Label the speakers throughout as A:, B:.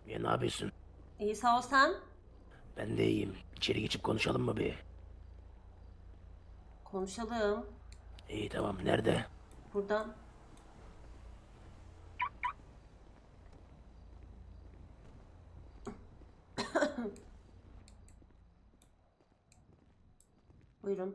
A: Ya ne yapıyorsun?
B: İyi sağ ol sen.
A: Ben de iyiyim. İçeri geçip konuşalım mı bir?
B: Konuşalım.
A: İyi tamam. Nerede?
B: Buradan. Buyurun.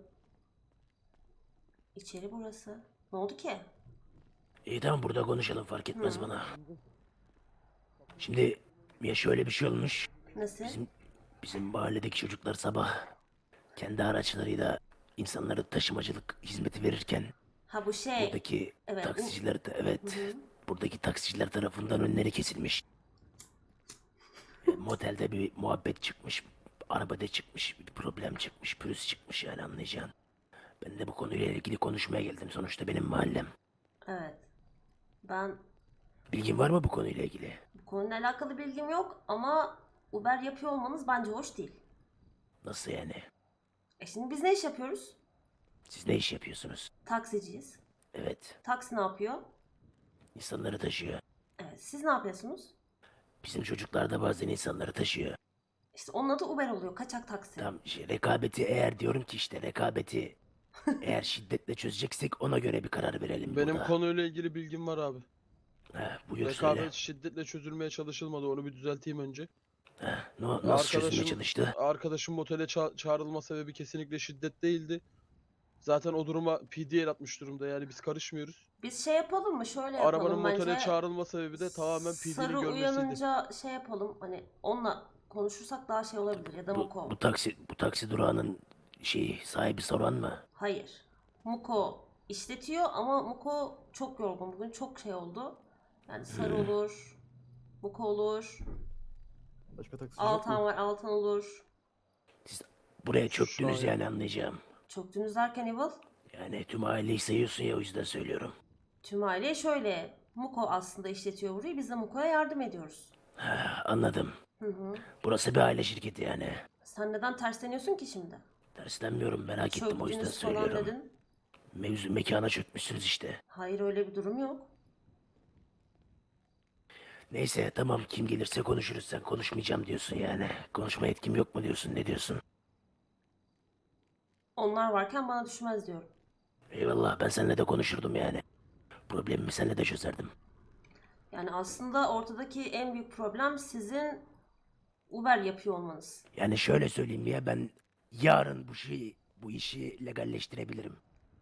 B: İçeri burası. Ne oldu ki?
A: İyi tamam burada konuşalım fark etmez
B: Hı.
A: bana. Şimdi ya şöyle bir şey olmuş.
B: Nasıl?
A: Bizim bizim mahalledeki çocuklar sabah kendi araçlarıyla insanlara taşımacılık hizmeti verirken
B: Ha bu şey.
A: buradaki
B: Evet.
A: taksiciler de
B: Hı
A: evet
B: hı.
A: buradaki taksiciler tarafından önleri kesilmiş. Motelde bir muhabbet çıkmış. Arabada çıkmış. Bir problem çıkmış. Pürüz çıkmış yani anlayacağın. Ben de bu konuyla ilgili konuşmaya geldim. Sonuçta benim mahallem.
B: Evet. Ben
A: Bilgin var mı bu konuyla ilgili?
B: bu konuyla alakalı bilgim yok ama Uber yapıyor olmanız bence hoş değil.
A: Nasıl yani?
B: Şimdi biz ne iş yapıyoruz?
A: Siz ne iş yapıyorsunuz?
B: Taksiciyiz.
A: Evet.
B: Taksi ne yapıyor?
A: İnsanları taşıyor.
B: Evet. Siz ne yapıyorsunuz?
A: Bizim çocuklar da bazen insanları taşıyor.
B: İşte onun adı Uber oluyor. Kaçak taksi.
A: Tam şey, rekabeti eğer diyorum ki işte rekabeti eğer şiddetle çözeceksek ona göre bir karar verelim
C: Benim
A: burada.
C: konuyla ilgili bilgim var abi.
A: Buyur söyle.
C: Rekabet şiddetle çözülmeye çalışılmadı. Onu bir düzelteyim önce.
A: Nasıl çözülmeye
C: Arkadaşım
A: çalıştı?
C: arkadaşım otele çağrılma sebebi kesinlikle şiddet değildi. Zaten o duruma PD'ye el atmış durumda. Yani biz karışmıyoruz.
B: Biz şey yapalım mı? Şöyle
C: Arabanın
B: yapalım
C: motele
B: bence.
C: çağrılma sebebi de tamamen PD'nin
B: Sarı
C: görmesiydi.
B: uyanınca şey yapalım. Hani onunla konuşursak daha şey olabilir. Ya da
A: Bu
B: Muko.
A: taksi durağının sahibi soran mı?
B: Hayır. Muko işletiyor ama Muko çok yorgun. Bugün çok şey oldu. Yani Sarı olur. Muko olur.
D: Başka taksici yok
B: Altan
D: mu?
B: var. Altan olur.
A: Siz buraya çöktünüz
C: Şahin.
A: yani anlayacağım.
B: Çöktünüz derken Evil.
A: Yani tüm aileyi sayıyorsun ya o yüzden söylüyorum.
B: Tüm aile şöyle. Muko aslında işletiyor burayı. Biz de Muko'ya yardım ediyoruz.
A: Anladım.
B: Hı hı.
A: Burası bir aile şirketi yani.
B: Sen neden tersleniyorsun ki şimdi?
A: Terslenmiyorum merak ettim o yüzden
B: Çöktünüz falan
A: söylüyorum.
B: dedin.
A: Mekana çökmüşsünüz işte.
B: Hayır öyle bir durum yok.
A: Neyse tamam kim gelirse konuşuruz sen konuşmayacağım diyorsun yani. Konuşma yetkim yok mu diyorsun ne diyorsun?
B: Onlar varken bana düşmez diyorum.
A: Eyvallah ben seninle de konuşurdum yani. Problemimi seninle de çözerdim.
B: Yani aslında ortadaki en büyük problem sizin Uber yapıyor olmanız.
A: Yani şöyle söyleyeyim ya ben yarın bu işi legalleştirebilirim.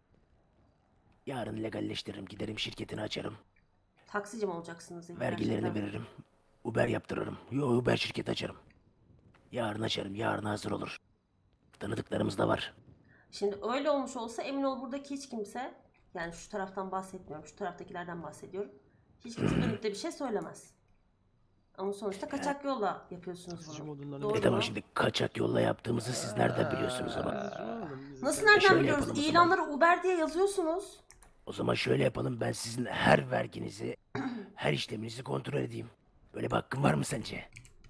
A: Yarın legalleştiririm giderim şirketini açarım.
B: Taksici mi olacaksınız
A: Vergilerini
B: gerçekten?
A: veririm. Uber yaptırırım. Uber şirket açarım. Yarın açarım yarın hazır olur. Tanıdıklarımız da var.
B: Şimdi öyle olmuş olsa emin ol buradaki hiç kimse, yani şu taraftan bahsetmiyorum, şu taraftakilerden bahsediyorum. Hiç kimse dönüp de bir şey söylemez. Ama sonuçta kaçak yolla yapıyorsunuz
C: Taksici
B: bunu.
C: modundan
B: Doğru
A: Tamam
B: mu?
A: şimdi kaçak yolla yaptığımızı siz nereden biliyorsunuz ama?
B: Nasıl
A: E
B: nereden
A: şöyle
B: biliyoruz?
A: yapalım o zaman.
B: İlanları Uber diye yazıyorsunuz.
A: O zaman şöyle yapalım ben sizin her verginizi, her işleminizi kontrol edeyim. Böyle bir hakkım var mı sence?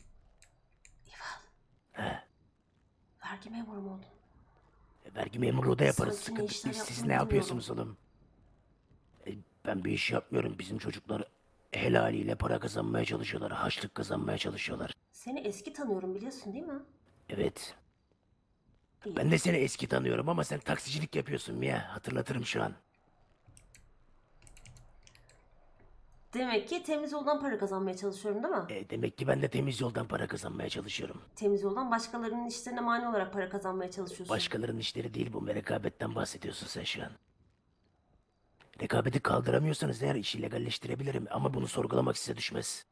B: Vergi memuru mu oldun?
A: Vergi memurluğu da yaparız
B: Sanki ne
A: sıkıntı
B: işler
A: değil. Siz
B: yaptığını
A: ne
B: bilmiyorum.
A: yapıyorsunuz oğlum? Ben bir iş yapmıyorum. Bizim çocuklar helaliyle para kazanmaya çalışıyorlar. Haçlık kazanmaya çalışıyorlar.
B: Seni eski tanıyorum biliyorsun değil mi?
A: Evet.
B: İyi.
A: Ben de seni eski tanıyorum ama sen taksicilik yapıyorsun Mia. Hatırlatırım şu an.
B: Demek ki temiz yoldan para kazanmaya çalışıyorum değil mi?
A: Demek ki ben de temiz yoldan para kazanmaya çalışıyorum.
B: Temiz yoldan başkalarının işlerine mani olarak para kazanmaya çalışıyorsun.
A: Başkalarının işleri değil bu. Rekabetten bahsediyorsun sen şu an. Rekabeti kaldıramıyorsanız eğer işi legalleştirebilirim ama bunu sorgulamak size düşmez.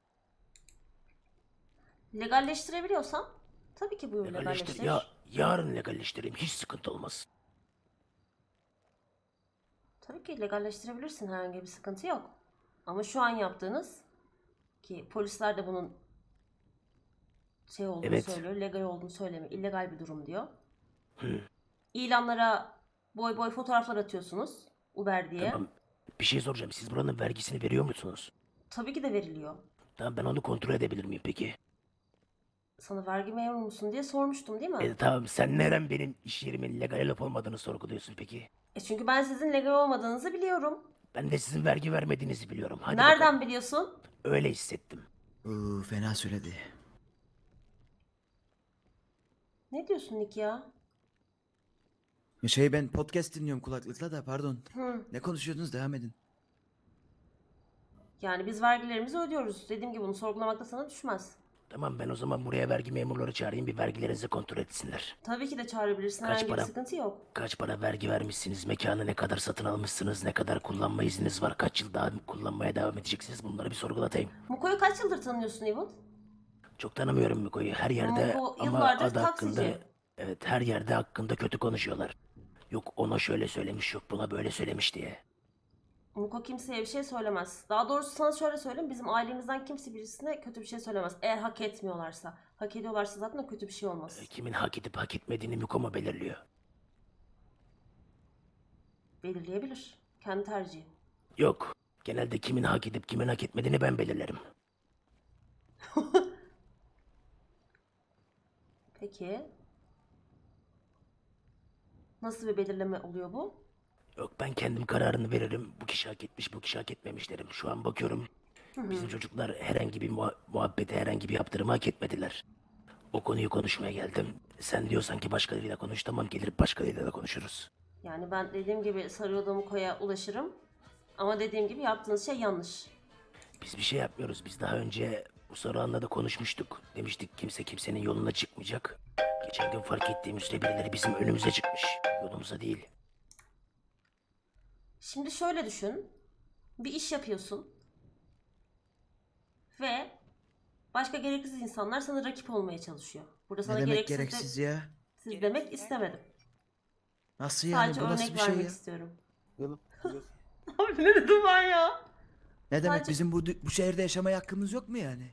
B: Legalleştirebiliyorsam tabii ki buyur legalleştir.
A: Yarın legalleştireyim hiç sıkıntı olmaz.
B: Tabii ki legalleştirebilirsin, herhangi bir sıkıntı yok. Ama şu an yaptığınız, ki polisler de bunun şey olduğunu
A: Evet.
B: söylüyor, legal olduğunu söylemiyor, illegal bir durum diyor. İlanlara boy boy fotoğraflar atıyorsunuz Uber diye.
A: Tamam. Bir şey soracağım. Siz buranın vergisini veriyor musunuz?
B: Tabii ki de veriliyor.
A: Tamam ben onu kontrol edebilir miyim peki?
B: Sana vergi memuru musun diye sormuştum değil mi?
A: Tamam sen neden benim iş yerimin legal olup olmadığını sorguluyorsun peki?
B: Çünkü ben sizin legal olmadığınızı biliyorum.
A: Ben de sizin vergi vermediğinizi biliyorum. Hadi
B: Nereden
A: bakalım.
B: biliyorsun?
A: Öyle hissettim.
E: Fena söyledi.
B: Ne diyorsun Nick ya?
E: Ben podcast dinliyorum kulaklıkla da pardon.
B: Hı.
E: Ne konuşuyordunuz devam edin.
B: Yani biz vergilerimizi ödüyoruz. Dediğim gibi bunu sorgulamak da sana düşmez.
A: Tamam, ben o zaman buraya vergi memurları çağırayım, bir vergilerinizi kontrol etsinler.
B: Tabii ki de çağırabilirsin.
A: Kaç
B: Herhangi bir
A: para?
B: sıkıntı yok.
A: Kaç para vergi vermişsiniz, mekanı ne kadar satın almışsınız, ne kadar kullanma izniniz var, kaç yıl daha kullanmaya devam edeceksiniz, bunları bir sorgulatayım.
B: Muko'yu kaç yıldır tanıyorsun Evil?
A: Çok tanımıyorum Miko'yu, her yerde
B: Muko
A: ama
B: yıllardır
A: adı hakkında,
B: taksici.
A: evet, her yerde hakkında kötü konuşuyorlar. Yok ona şöyle söylemiş, yok buna böyle söylemiş diye.
B: Muko kimseye bir şey söylemez. Daha doğrusu sana şöyle söyleyeyim. Bizim ailemizden kimse birisine kötü bir şey söylemez. Eğer hak etmiyorlarsa. Hak ediyorlarsa zaten o kötü bir şey olmaz.
A: Kimin hak edip hak etmediğini Miko mu belirliyor?
B: Belirleyebilir. Kendi tercihi.
A: Yok, genelde kimin hak edip kimin hak etmediğini ben belirlerim.
B: Peki. Nasıl bir belirleme oluyor bu?
A: Yok, ben kendim kararını veririm. Bu kişi hak etmiş, bu kişi hak etmemiş derim. Şu an bakıyorum. Bizim çocuklar herhangi bir muhabbete, herhangi bir yaptırımı hak etmediler. O konuyu konuşmaya geldim. Sen diyorsan ki başkalarıyla konuş, tamam, gelip başkalarıyla da konuşuruz.
B: Yani ben dediğim gibi sarıyordum Muko'ya ulaşırım. Ama dediğim gibi yaptığınız şey yanlış.
A: Biz bir şey yapmıyoruz. Biz daha önce bu Saruhan'la da konuşmuştuk. Demiştik kimse kimsenin yoluna çıkmayacak. Geçen gün fark ettiğim üzere birileri bizim önümüze çıkmış. Yolumuza değil.
B: Şimdi şöyle düşün. Bir iş yapıyorsun. Ve başka gereksiz insanlar sana rakip olmaya çalışıyor. Burada sana
E: Ne demek
B: gereksiz,
E: gereksiz ya?
B: siz demek istemedim.
E: Nasıl yani?
B: Sadece
E: Bu nasıl
B: örnek
E: bir şey
B: vermek
E: ya?
B: istiyorum.
C: Yalın.
B: Abi ne dedim ben ya?
E: Ne demek
B: Sadece-
E: bizim bu şehirde yaşamaya hakkımız yok mu yani?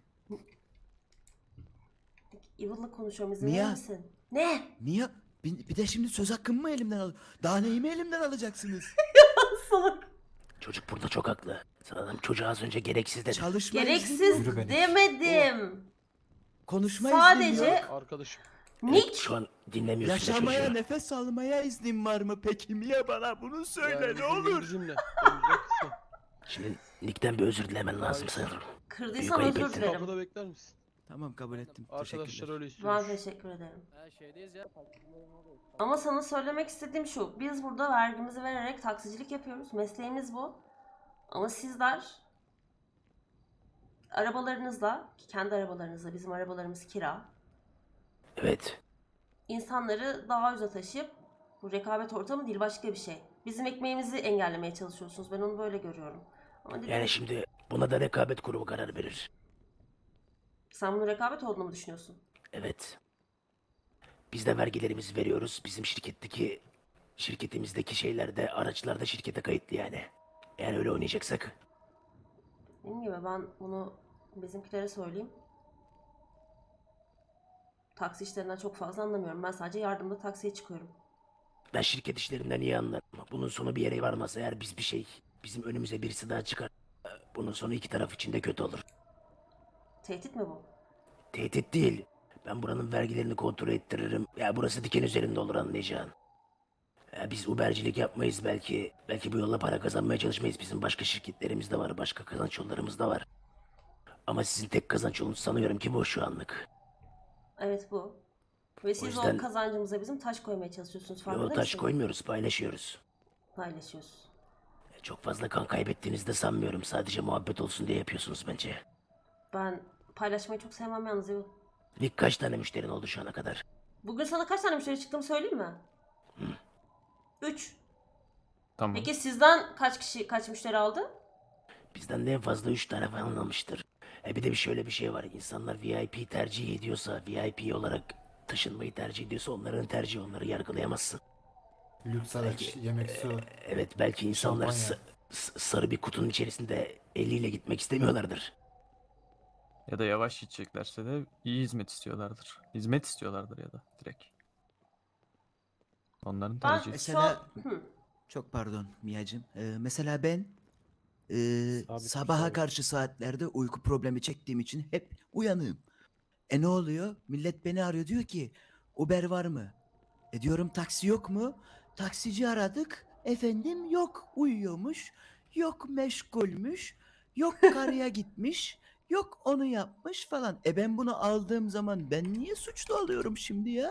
B: Evil'la konuşuyorum, izin
E: Niye?
B: verir misin? Ne?
E: Niye? Bir de şimdi söz hakkımı mı elimden al? Daha neyimi elimden alacaksınız?
B: Salak.
A: Çocuk burada çok haklı. Sanırım çocuğa az önce gereksiz dedi.
E: Çalışma iznim
B: Gereksiz
E: yok.
B: demedim.
E: Konuşma
B: Sadece-
E: iznim yok.
C: Arkadaşım.
B: Nick.
A: Şu an dinlemiyorsun da
E: Yaşamaya,
A: çocuğu.
E: nefes almaya iznim var mı peki? Niye bana bunu söyle
C: yani
E: ne olur?
C: Bizimle. Önce kısa.
A: Şimdi Nick'ten bir özür dilemen lazım sanırım.
B: Kırdıysam
A: Büyük ayıp
B: özür
A: ettin.
B: dilerim.
C: Kapıda bekler misin?
E: Tamam kabul ettim.
C: Arkadaşlar
E: Teşekkürler.
C: öyle
B: Ben
C: istiyormuş.
B: teşekkür ederim. Ama sana söylemek istediğim şu. Biz burada vergimizi vererek taksicilik yapıyoruz. Mesleğimiz bu. Ama sizler arabalarınızla, kendi arabalarınızla, bizim arabalarımız kira,
A: Evet.
B: insanları daha uza taşıyıp, bu rekabet ortamı değil başka bir şey. Bizim ekmeğimizi engellemeye çalışıyorsunuz. Ben onu böyle görüyorum. Ama dediğim
A: Yani
B: gibi,
A: şimdi buna da rekabet kurumu karar verir.
B: sen bunun rekabet olduğunu mu düşünüyorsun?
A: Evet. Biz de vergilerimizi veriyoruz. Bizim şirketimizdeki şeyler de, araçlar da şirkete kayıtlı yani. Eğer öyle oynayacaksak.
B: Dediğim gibi ben bunu bizimkilere söyleyeyim. Taksi işlerinden çok fazla anlamıyorum. Ben sadece yardımda taksiye çıkıyorum.
A: Ben şirket işlerinden iyi anlarım. Bunun sonu bir yere varmaz. Eğer bizim önümüze birisi daha çıkar. Bunun sonu iki taraf için de kötü olur.
B: Tehdit mi bu?
A: Tehdit değil. Ben buranın vergilerini kontrol ettiririm. Ya burası diken üzerinde olur, anlayacağın. Ya biz Ubercilik yapmayız belki. Belki bu yolla para kazanmaya çalışmayız. Bizim başka şirketlerimiz de var. Başka kazanç yollarımız da var. Ama sizin tek kazanç yolunuz sanıyorum ki bu şu anlık.
B: Evet bu. Ve siz
A: yüzden-
B: o kazancımıza bizim taş koymaya çalışıyorsunuz. Farkında
A: Yol taş
B: mısın?
A: koymuyoruz, paylaşıyoruz.
B: Paylaşıyoruz.
A: Çok fazla kan kaybettiğinizi de sanmıyorum. Sadece muhabbet olsun diye yapıyorsunuz bence.
B: Ben paylaşmayı çok sevmem yalnız. Evo.
A: Nick, kaç tane müşterin oldu şu ana kadar?
B: Bugün sana kaç tane müşteri çıktığımı söyleyeyim mi? 3.
F: Tamam.
B: Peki sizden kaç müşteri aldı?
A: Bizden de en fazla 3 tane falan almıştır. Bir de şöyle bir şey var. İnsanlar VIP tercih ediyorsa, VIP olarak taşınmayı tercih ediyorsa onların tercihi, onları yargılayamazsın.
G: Lüks araç, yemek, su.
A: Evet, belki insanlar
G: Şampanya.
A: sarı bir kutunun içerisinde eliyle gitmek istemiyorlardır.
F: Ya da yavaş gideceklerse de iyi hizmet istiyorlardır. Hizmet istiyorlardır ya da direkt. Onların
B: Ben
F: tercihi.
B: şu
E: Mesela-
B: an... Hı.
E: Çok pardon Miyacım. Mesela ben
G: Sabit bir
E: sabaha
G: şey.
E: karşı saatlerde uyku problemi çektiğim için hep uyanığım. Ne oluyor? Millet beni arıyor, diyor ki Uber var mı? Diyorum taksi yok mu? Taksici aradık. Efendim yok, uyuyormuş. Yok meşgulmüş. Yok karıya gitmiş. Yok onu yapmış falan. Ben bunu aldığım zaman ben niye suçlu oluyorum şimdi ya?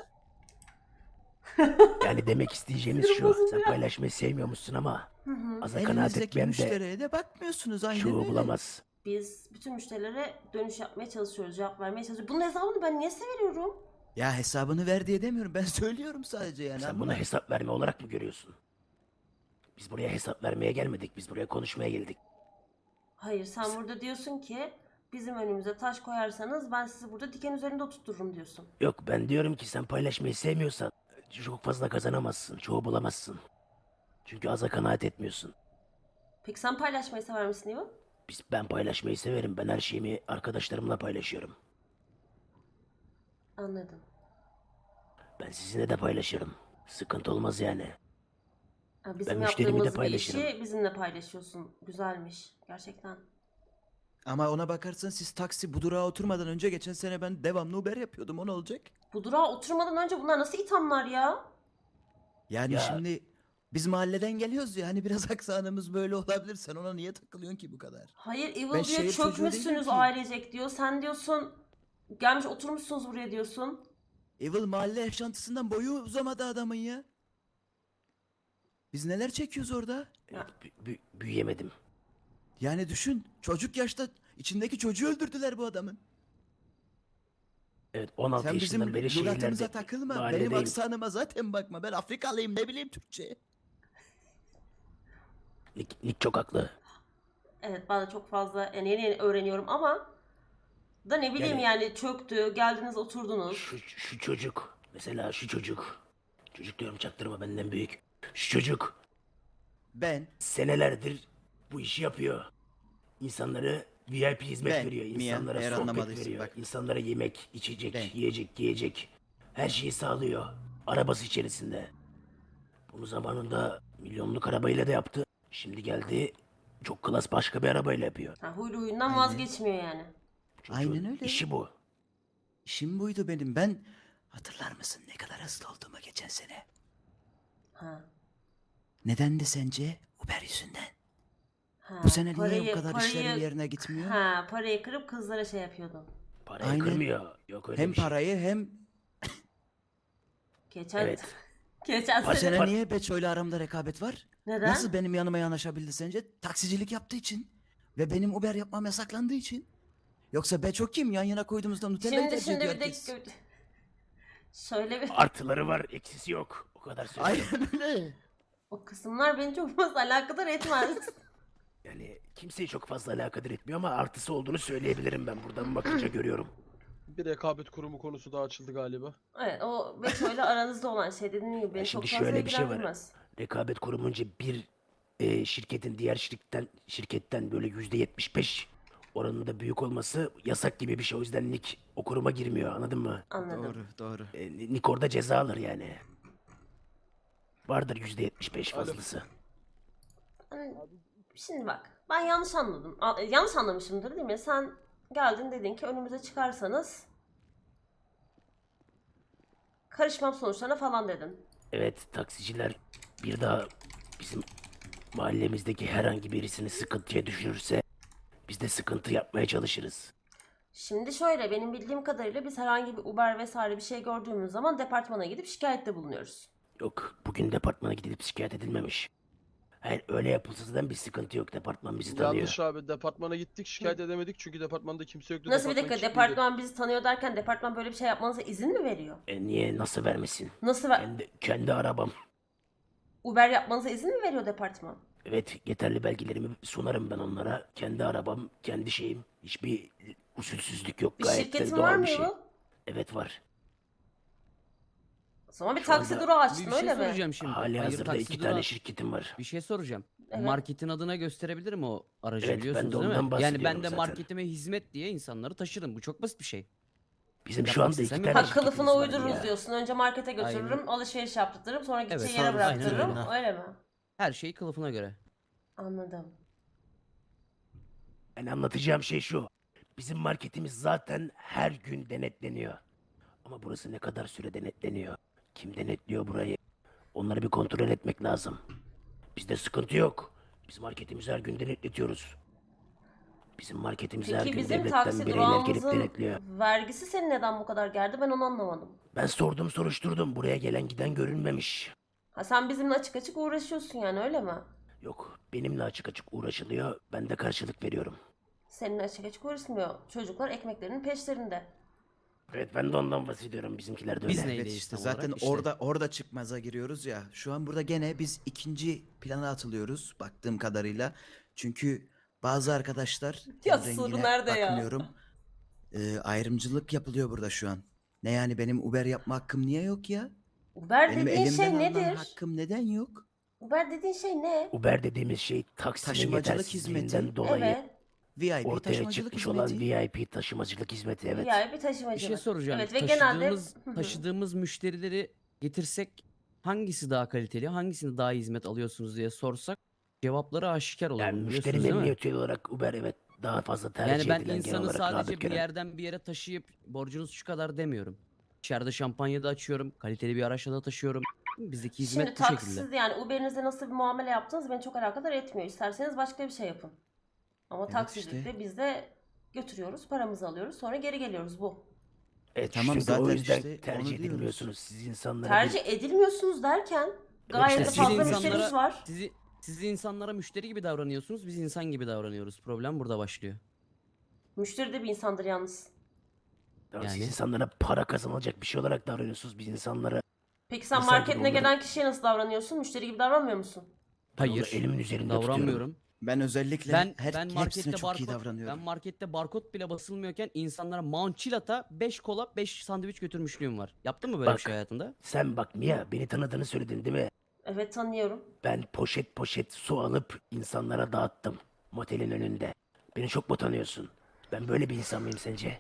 A: Yani demek isteyeceğimiz
B: Sinirim
A: şu. Sen
B: bozuluyor.
A: paylaşmayı sevmiyormuşsun ama
B: Hı hı.
A: aza kanaat
E: Elinizdeki
A: etmeyen de
E: müşteriye de bakmıyorsunuz aynen
A: çoğu
E: öyle.
A: bulamaz.
B: Biz bütün müşterilere dönüş yapmaya çalışıyoruz, cevap vermeye çalışıyoruz. Bunun hesabını ben niye size veriyorum?
E: Ya hesabını ver diye demiyorum. Ben söylüyorum sadece yani.
A: Sen
E: ama-
A: bunu hesap verme olarak mı görüyorsun? Biz buraya hesap vermeye gelmedik. Biz buraya konuşmaya geldik.
B: Hayır, sen burada diyorsun ki bizim önümüze taş koyarsanız ben sizi burada diken üzerinde oturturum diyorsun.
A: Yok, ben diyorum ki sen paylaşmayı sevmiyorsan çok fazla kazanamazsın. Çoğu bulamazsın. Çünkü aza kanaat etmiyorsun.
B: Peki sen paylaşmayı sever misin Ivan?
A: Ben paylaşmayı severim. Ben her şeyimi arkadaşlarımla paylaşıyorum.
B: Anladım.
A: Ben sizinle de paylaşırım. Sıkıntı olmaz yani.
B: Ha, bizim
A: müşterimi de
B: yaptığımız bir
A: paylaşırım.
B: işi bizimle paylaşıyorsun. Güzelmiş. Gerçekten.
E: Ama ona bakarsan siz taksi bu durağa oturmadan önce geçen sene ben devamlı Uber yapıyordum. O ne olacak?
B: Bu durağa oturmadan önce bunlar nasıl ithamlar ya?
E: Yani
A: Ya-
E: şimdi biz mahalleden geliyoruz ya hani biraz aksanımız böyle olabilir. Sen ona niye takılıyorsun ki bu kadar?
B: Hayır,
E: Ben
B: Evil diyor
E: şehir çocuğu değilim
B: çökmüşsünüz
E: ki.
B: ailecek diyor. Sen diyorsun gelmiş oturmuşsunuz buraya diyorsun.
E: Evil mahalle yaşantısından boyu uzamadı adamın ya. Biz neler çekiyoruz orada?
B: Ya.
A: Büyüyemedim.
E: Yani düşün çocuk yaşta içindeki çocuğu öldürdüler bu adamın.
A: Evet, 16
E: Sen bizim
A: yaşından beri
E: lügatımıza
A: şehirlerde,
E: takılma. Benim
A: mahalledeyim.
E: aksanıma zaten bakma. Ben Afrikalıyım ne bileyim Türkçe.
A: Nick çok haklı.
B: Evet, ben de çok fazla yani yeni yeni öğreniyorum ama da ne bileyim yani çöktü, geldiniz oturdunuz.
A: Şu çocuk. Mesela şu çocuk. Çocuk diyorum, çaktırma, benden büyük. Şu çocuk
E: Ben
A: senelerdir bu işi yapıyor. İnsanlara VIP hizmet
E: Ben,
A: veriyor.
E: Mia,
A: İnsanlara
E: eğer
A: sohbet
E: anlamadıysın
A: veriyor.
E: bak.
A: İnsanlara yemek, içecek,
E: Ben.
A: yiyecek, giyecek. Her şeyi sağlıyor. Arabası içerisinde. Bunu zamanında milyonluk arabayla da yaptı. Şimdi geldi çok klas başka bir arabayla yapıyor.
B: Ha, huylu huyundan
E: Aynen.
B: vazgeçmiyor yani.
A: Çocuğun
E: Aynen öyle.
A: İşi bu.
E: işim buydu benim. Ben hatırlar mısın ne kadar hızlı olduğumu geçen sene?
B: Ha.
E: Nedendi sence? Uber yüzünden.
B: Ha,
E: Bu sene niye bu kadar işlerin
B: parayı-
E: yerine gitmiyor?
B: Ha, parayı kırıp kızlara şey yapıyordun.
A: Parayı
E: Aynen.
A: kırmıyor. Yok öyle
E: Hem
A: bir şey.
E: parayı hem
B: Geçen
A: Evet.
B: geçen
E: bu
B: sene
E: sene niye Beço'yla aramda rekabet var?
B: neden?
E: Nasıl benim yanıma yanaşabildi sence? Taksicilik yaptığı için. Ve benim Uber yapmam yasaklandığı için. Yoksa Beço kim? Yan yana koyduğumuzda Nutella'yı
B: Şimdi
E: tercih
B: şimdi
E: ediyor
B: bir
E: herkes.
B: dakika. Şöyle bir
A: Artıları var, eksisi yok. O kadar söyleyeyim.
E: Aynen öyle.
B: o kısımlar beni çok fazla alakadar etmez.
A: Yani kimseyi çok fazla alakadar etmiyor ama artısı olduğunu söyleyebilirim ben. Buradan bakınca görüyorum.
C: Bir rekabet kurumu konusu daha açıldı galiba.
B: Evet, o Beço'yla aranızda olan şey dediğim gibi beni
A: şimdi
B: çok fazla
A: şöyle bir şey var.
B: ilgilendirmez.
A: Rekabet kurumunca bir şirketin diğer şirketten böyle %75 oranında büyük olması yasak gibi bir şey. O yüzden Nick o kuruma girmiyor, anladın mı?
B: Anladım.
E: Doğru.
A: Nick orada ceza alır yani. Vardır %75
C: Alo.
A: fazlası.
B: Hani, şimdi bak, ben yanlış anladım. Yanlış anlamışımdır değil mi? Sen geldin dedin ki önümüze çıkarsanız karışmam sonuçlarına falan dedin.
A: Evet, taksiciler bir daha bizim mahallemizdeki herhangi birisini sıkıntıya düşürürse biz de sıkıntı yapmaya çalışırız.
B: Şimdi şöyle, benim bildiğim kadarıyla biz herhangi bir Uber vesaire bir şey gördüğümüz zaman departmana gidip şikayette bulunuyoruz.
A: Yok, bugün departmana gidilip şikayet edilmemiş. Hayır, öyle yapılsa zaten bir sıkıntı yok. Departman bizi tanıyor.
C: Yanlış abi, departmana gittik, şikayet edemedik çünkü departmanda kimse yoktu.
B: Nasıl bir
C: departman
B: dakika,
C: kilitliydi.
B: departman bizi tanıyor derken departman böyle bir şey yapmanıza izin mi veriyor?
A: Niye, nasıl vermesin?
B: Nasıl
A: Kendi arabam.
B: Uber yapmanıza izin mi veriyor departman?
A: Evet, yeterli belgelerimi sunarım ben onlara. Kendi arabam, kendi şeyim. Hiçbir usulsüzlük yok.
B: Bir
A: Gayet de
B: şirketin var
A: doğal
B: mı
A: bir şey.
B: Yavuz?
A: Evet var.
B: O zaman bir
A: Şu
B: taksi
A: anda-
B: durağı
H: Bir
B: açtın
H: şey
B: öyle mi?
H: soracağım şimdi.
A: Hali
H: Hayır,
A: hazırda
H: taksi
A: 2
H: durağı-
A: tane şirketim var.
H: Bir şey soracağım.
B: Evet.
H: Marketin adına gösterebilirim o aracı,
A: Evet, ben de
H: biliyorsunuz değil
A: ondan
H: mi? Yani
A: bahsediyorum
H: ben de
A: zaten.
H: marketime hizmet diye insanları taşırım. Bu çok basit bir şey.
A: Bizim şu
H: Yapmak
A: anda 2
H: istesem
A: tane
B: Ha,
H: yaparım.
A: şirketimiz
B: kılıfına
A: var
B: uydururuz
A: ya.
B: diyorsun. Önce markete götürürüm,
H: Aynen.
B: alışveriş yaptırırım, sonra gideceği
H: Evet,
B: yere
G: tabii,
B: bıraktırırım.
G: aynen
B: Öyle mi?
H: Her şey kılıfına göre.
B: Anladım.
A: Yani anlatacağım şey şu. Bizim marketimiz zaten her gün denetleniyor. Ama burası ne kadar süre denetleniyor? Kim denetliyor burayı? Onları bir kontrol etmek lazım. Bizde sıkıntı yok. Biz marketimizi her gün denetletiyoruz. Bizim marketimize her
B: Peki
A: gün
B: bizim
A: devletten
B: taksi
A: bireyler gelip
B: durağımızın
A: denetliyor.
B: vergisi seni neden bu kadar gerdi ben onu anlamadım.
A: Ben sordum soruşturdum. Buraya gelen giden görülmemiş.
B: Ha sen bizimle açık açık uğraşıyorsun yani öyle mi?
A: Yok, benimle açık açık uğraşılıyor. Ben de karşılık veriyorum.
B: Seninle açık açık uğraşmıyor. Çocuklar ekmeklerinin peşlerinde.
A: Evet, ben de ondan bahsediyorum. Bizimkiler de öyle.
H: Biz neyiz?
E: Evet
H: Neydeyiz
E: işte
H: tam
E: zaten
H: olarak? İşte.
E: orada çıkmaza giriyoruz ya. Şu an burada gene biz ikinci plana atılıyoruz baktığım kadarıyla. Çünkü bazı arkadaşlar
B: Ya
E: ten
B: soru
E: rengine
B: nerede ya?
E: bakmıyorum. Ayrımcılık yapılıyor burada şu an. Ne yani benim Uber yapma hakkım niye yok ya?
B: Uber
E: Benim
B: dediğin
E: elimden
B: şey
E: alınan
B: nedir?
E: hakkım neden yok?
B: Uber dediğin şey ne?
A: Uber dediğimiz şey taksinin
E: Taşımacılık
A: yetersizliğinden
E: hizmeti.
A: dolayı
B: Evet.
E: VIP
A: ortaya
E: taşımacılık
A: çıkmış
E: hizmeti.
A: olan VIP taşımacılık hizmeti, evet.
B: Yani bir taşımacılık.
H: Bir şey soracağım.
B: Evet ve
H: taşıdığımız,
B: genelde Hı hı.
H: taşıdığımız müşterileri getirsek hangisi daha kaliteli, hangisinde daha iyi hizmet alıyorsunuz diye sorsak cevapları aşikar olur.
A: Yani
H: bunu
A: müşteri
H: biliyorsunuz değil mi?
A: memnuniyeti olarak Uber evet daha fazla tercih
H: Yani ben
A: edilen, genel
H: insanı
A: olarak
H: sadece
A: rağbet
H: bir
A: gören.
H: yerden bir yere taşıyıp borcunuz şu kadar demiyorum. İçeride şampanya da açıyorum, kaliteli bir araçla da taşıyorum. Bizdeki hizmet
B: Şimdi
H: bu şekilde.
B: taksiz yani Uber'inize nasıl bir muamele yaptınız beni çok alakadar etmiyor. İsterseniz başka bir şey yapın. Ama
E: Evet
B: taksicilikte
E: işte.
B: biz de götürüyoruz, paramızı alıyoruz, sonra geri geliyoruz bu.
A: Evet,
E: Tamam,
A: çünkü
E: zaten
A: o yüzden
E: işte onu
A: tercih
E: diyoruz.
A: edilmiyorsunuz. Siz insanlara
B: Tercih edilmiyorsunuz derken gayet de
A: işte
B: fazla
A: siz
B: müşterimiz var.
H: Siz insanlara müşteri gibi davranıyorsunuz, biz insan gibi davranıyoruz. Problem burada başlıyor.
B: Müşteri de bir insandır yalnız.
A: Siz
H: Yani.
A: insanlara para kazanılacak bir şey olarak davranıyorsunuz. Biz insanlara
B: Peki sen
A: İnsan gibi
B: marketine
A: onları-
B: gelen kişiye nasıl davranıyorsun? Müşteri gibi davranmıyor musun?
A: ben onu
H: Hayır,
A: elimin üzerinde tutuyorum.
H: davranmıyorum.
E: Ben özellikle
H: Ben
E: hepsine
H: markette
E: çok iyi
H: barkod
E: davranıyorum.
H: ben markette barkod bile basılmıyorken insanlara Mount 5 kola 5 sandviç götürmüşlüğüm var. Yaptın mı böyle bir
A: Bak.
H: şey hayatında?
A: Sen bak Mia, beni tanıdığını söyledin değil mi?
B: Evet tanıyorum.
A: Ben poşet poşet su alıp insanlara dağıttım motelin önünde. Beni çok mu tanıyorsun? Ben böyle bir insan mıyım sence?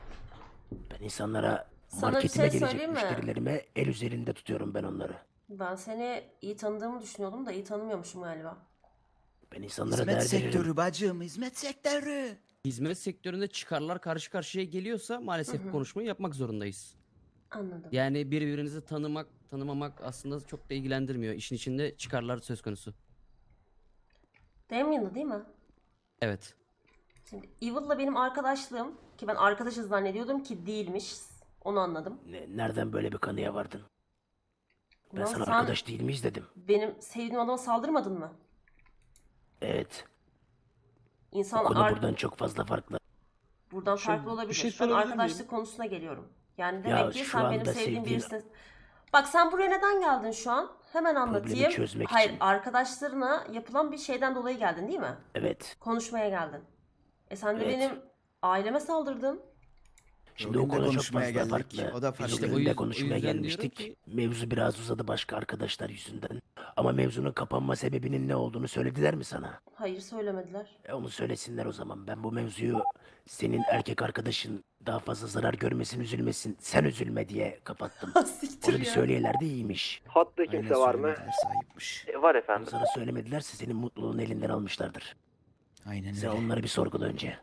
A: Ben insanlara
B: Sana bir
A: marketime
B: şey
A: gelecek
B: söyleyeyim mi?
A: müşterilerime el üzerinde tutuyorum ben onları.
B: Ben seni iyi tanıdığımı düşünüyordum da iyi tanımıyormuşum galiba.
A: Ben insanlara
E: Hizmet
A: değer veririm.
E: sektörü bacım, hizmet sektörü.
H: Hizmet sektöründe çıkarlar karşı karşıya geliyorsa maalesef
B: Hı hı.
H: konuşmayı yapmak zorundayız.
B: Anladım.
H: Yani birbirinizi tanımamak aslında çok da ilgilendirmiyor. İşin içinde çıkarlar söz konusu.
B: Damien'dı değil mi?
H: Evet.
B: Şimdi Evil'la benim arkadaşlığım ki ben arkadaşız zannediyordum ki değilmiş. Onu anladım.
A: Nereden böyle bir kanıya vardın? Ben
B: Ulan
A: sana
B: sen
A: arkadaş değil miyiz dedim.
B: benim sevdiğim adama saldırmadın mı?
A: Evet.
B: İnsan
A: O konu buradan çok fazla farklı.
B: buradan
C: Şu-
B: farklı
C: bir
B: olabilir.
C: şey
B: Ben
C: sorabilir
B: arkadaşlık
C: miyim?
B: konusuna geliyorum. Yani
A: Ya
B: demek ki
A: şu
B: sen benim
A: anda
B: sevdiğim
A: sevdiğin-
B: birisin. Bak sen buraya neden geldin şu an? Hemen anlatayım.
A: çözmek
B: Hayır,
A: için.
B: arkadaşlarına yapılan bir şeyden dolayı geldin değil mi?
A: Evet.
B: Konuşmaya geldin. Sen de
A: Evet.
B: benim aileme saldırdın.
A: Şimdi
E: Bugün
A: o
E: de
A: konu çok
E: konuşmaya
A: fazla
E: geldik.
A: farklı.
E: O da
A: Biz
E: farklı.
H: İşte
A: o
H: o
A: gün de
H: yüzden
A: konuşmaya
H: diyorum
A: gelmiştik.
H: ki-
A: Mevzu biraz uzadı başka arkadaşlar yüzünden. Ama mevzunun kapanma sebebinin ne olduğunu söylediler mi sana?
B: Hayır söylemediler.
A: Onu söylesinler o zaman. Ben bu mevzuyu senin erkek arkadaşın daha fazla zarar görmesin, üzülmesin, sen üzülme diye kapattım.
B: Siktir
A: Onu bir
B: ya.
A: söyleyelerdi iyiymiş.
I: Hatta
E: Aynen
I: kimse var mı?
E: söylemediler, sahipmiş.
I: Var
A: Onu
I: efendim.
A: sana söylemedilerse senin mutluluğunu elinden almışlardır.
E: Aynen
A: Sen
E: öyle.
A: onları bir sorgula önce.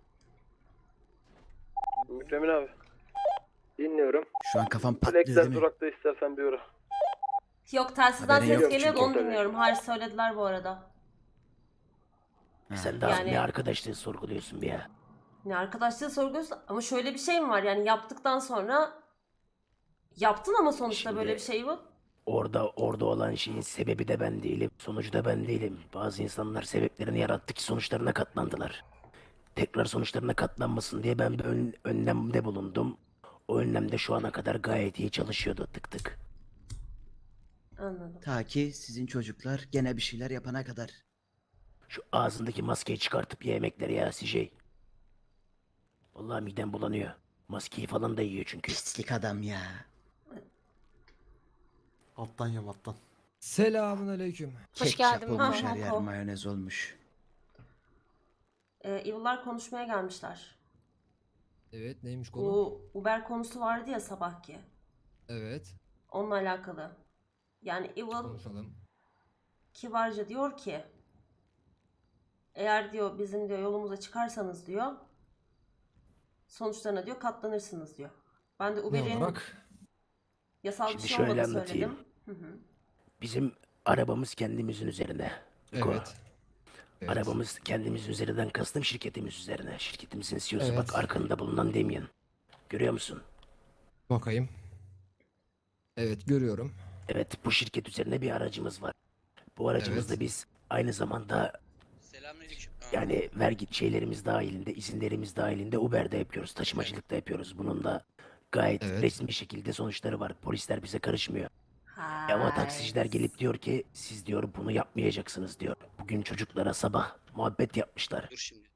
C: Mükremin abi.
I: Dinliyorum.
E: Şu an kafam patlıyor
C: Flex'ten
E: değil mi?
C: durakta istersen bir uğra.
B: Yok telsizden
E: Haberin
B: ses
E: yok
B: geliyor da
E: çünkü.
B: onu dinliyorum. Hayır söylediler bu arada.
E: Ha.
A: Sen daha
B: Yani-
A: ne arkadaşlığı sorguluyorsun bir ya.
B: Ne arkadaşlığı sorguluyorsun ama şöyle bir şey mi var yani yaptıktan sonra yaptın ama sonuçta
A: Şimdi-
B: böyle bir şey bu.
A: Orada olan şeyin sebebi de ben değilim. Sonucu da ben değilim. Bazı insanlar sebeplerini yarattı ki sonuçlarına katlandılar. Tekrar sonuçlarına katlanmasın diye ben bir önlemde bulundum. O önlemde şu ana kadar gayet iyi çalışıyordu tık tık.
B: Anladım.
E: Ta ki sizin çocuklar gene bir şeyler yapana kadar.
A: Şu ağzındaki maskeyi çıkartıp ye yemekleri ya CJ. Vallahi midem bulanıyor. Maskeyi falan da yiyor çünkü.
E: Pislik adam ya.
G: Alttan yem alttan.
J: Selamun aleyküm.
B: Hoş
E: Ketçap
B: geldin.
E: olmuş
B: Ha,
E: her yer,
B: ha.
E: mayonez olmuş.
B: Evil'lar konuşmaya gelmişler.
J: Evet neymiş konu?
B: Bu Uber konusu vardı ya sabahki.
J: Evet
B: Onunla alakalı. Yani Evil
J: konuşalım.
B: kibarca diyor ki eğer diyor bizim diyor yolumuza çıkarsanız diyor sonuçlarına diyor katlanırsınız diyor. Ben de
J: Ne
B: Uber'in
J: olarak?
B: yasal bir
A: Şimdi
B: şey
A: şöyle
B: olmadığını
A: anlatayım.
B: söyledim. Hı hı.
A: Bizim arabamız kendimizin üzerine. Niko.
J: Evet. Evet.
A: Arabamız kendimiz üzerinden kastım şirketimiz üzerine. Şirketimizin CEO'su
J: Evet.
A: bak arkanda bulunan Damien. Görüyor musun?
J: Bakayım. Evet görüyorum.
A: Evet bu şirket üzerine bir aracımız var. Bu aracımızda
J: Evet.
A: biz aynı zamanda yani vergi şeylerimiz dahilinde, izinlerimiz dahilinde Uber'de yapıyoruz, taşımacılık da yapıyoruz. Bunun da gayet
J: Evet.
A: resmi şekilde sonuçları var. Polisler bize karışmıyor. Ama taksiciler
B: Hay.
A: gelip diyor ki siz diyor bunu yapmayacaksınız diyor. Bugün çocuklara sabah muhabbet yapmışlar.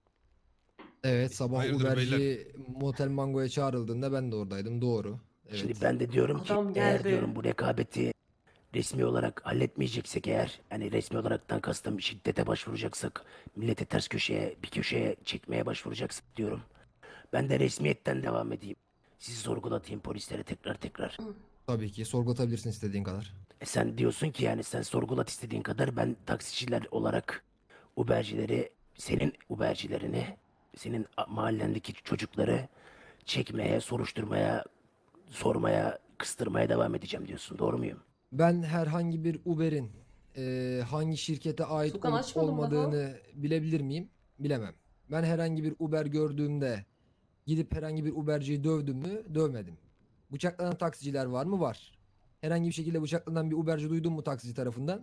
J: Evet sabah
K: Hayırdır
J: Uberci Motel Mango'ya çağrıldığında ben de oradaydım. Doğru. Evet.
A: Şimdi ben de diyorum ki
B: Adam
A: eğer
B: geldi.
A: diyorum bu rekabeti resmi olarak halletmeyeceksek eğer hani resmi olaraktan kastım şiddete başvuracaksak milleti ters köşeye bir köşeye çekmeye başvuracaksak diyorum. Ben de resmiyetten devam edeyim. Sizi sorgulatayım polislere tekrar.
J: Tabii ki sorgulatabilirsin istediğin kadar.
A: Sen diyorsun ki yani sen sorgulat istediğin kadar ben taksiciler olarak Ubercileri senin Ubercilerini senin mahallendeki çocukları çekmeye, soruşturmaya, sormaya, kıstırmaya devam edeceğim diyorsun. Doğru muyum?
J: Ben herhangi bir Uber'in hangi şirkete ait
B: Furkan
J: olup
B: açmadım daha.
J: olmadığını bilebilir miyim? Bilemem. Ben herhangi bir Uber gördüğümde gidip herhangi bir Uberciyi dövdüm mü? Dövmedim. Bıçaklanan taksiciler var mı? Var. Herhangi bir şekilde bıçaklanan bir Uberci duydun mu taksici tarafından?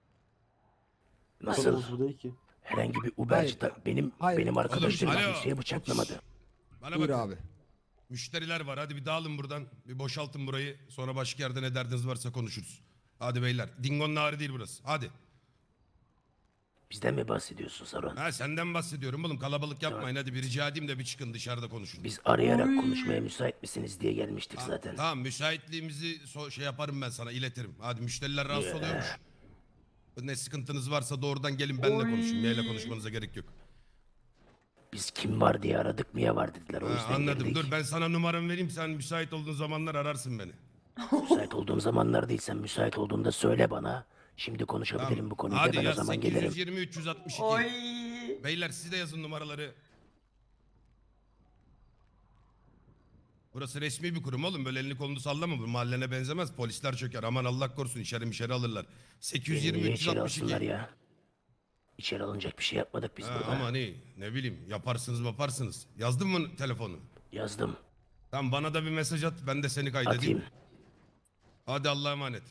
A: Nasıl?
D: Konumuz bu değil ki.
A: Herhangi bir Uberci
J: Hayır.
A: benim
J: Hayır.
A: arkadaşlarım
K: alo.
A: kimseye bıçaklamadı.
K: Bana
J: Buyur
K: bakın.
J: abi.
K: Müşteriler var. Hadi bir dağılın buradan. Bir boşaltın burayı. Sonra başka yerde ne derdiniz varsa konuşuruz. Hadi beyler. Dingo'nun ağrı değil burası. Hadi.
A: Bizden mi bahsediyorsun Saron?
K: Ha senden bahsediyorum oğlum. Kalabalık yapmayın. Hadi bir rica edeyim de bir çıkın dışarıda konuşun.
A: Biz arayarak
B: Oy.
A: konuşmaya müsait misiniz diye gelmiştik
K: Ha,
A: zaten.
K: Tamam müsaitliğimizi şey yaparım ben sana iletirim. Hadi müşteriler rahatsız oluyormuş. Ne sıkıntınız varsa doğrudan gelin benimle
B: Oy.
K: konuşun. Maille konuşmanıza gerek yok.
A: Biz kim var diye aradık mı ya var dediler. O
K: Ha,
A: yüzden
K: anladım.
A: geldik.
K: Dur ben sana numaramı vereyim. Sen müsait olduğun zamanlar ararsın beni.
A: Müsait olduğum zamanlar değil, sen müsait olduğunda söyle bana. Şimdi konuşabilirim
K: Tamam.
A: bu konuyu da
K: Hadi
A: ben o
K: yaz
A: zaman gelirim.
K: 820 362.
B: Oy.
K: Beyler siz de yazın numaraları. Burası resmi bir kurum oğlum. Böyle elini kolunu sallama. Bu mahallene benzemez. Polisler çöker. Aman Allah korusun içeri alırlar. 820
A: Niye içeri alsınlar
K: 362.
A: ya? İçeri alınacak bir şey yapmadık biz
K: Ha,
A: burada.
K: ama ne bileyim yaparsınız. Yazdın mı telefonu?
A: Yazdım.
K: Tamam bana da bir mesaj at. Ben de seni kaydedeyim.
A: Atayım.
K: Hadi Allah'a emanet.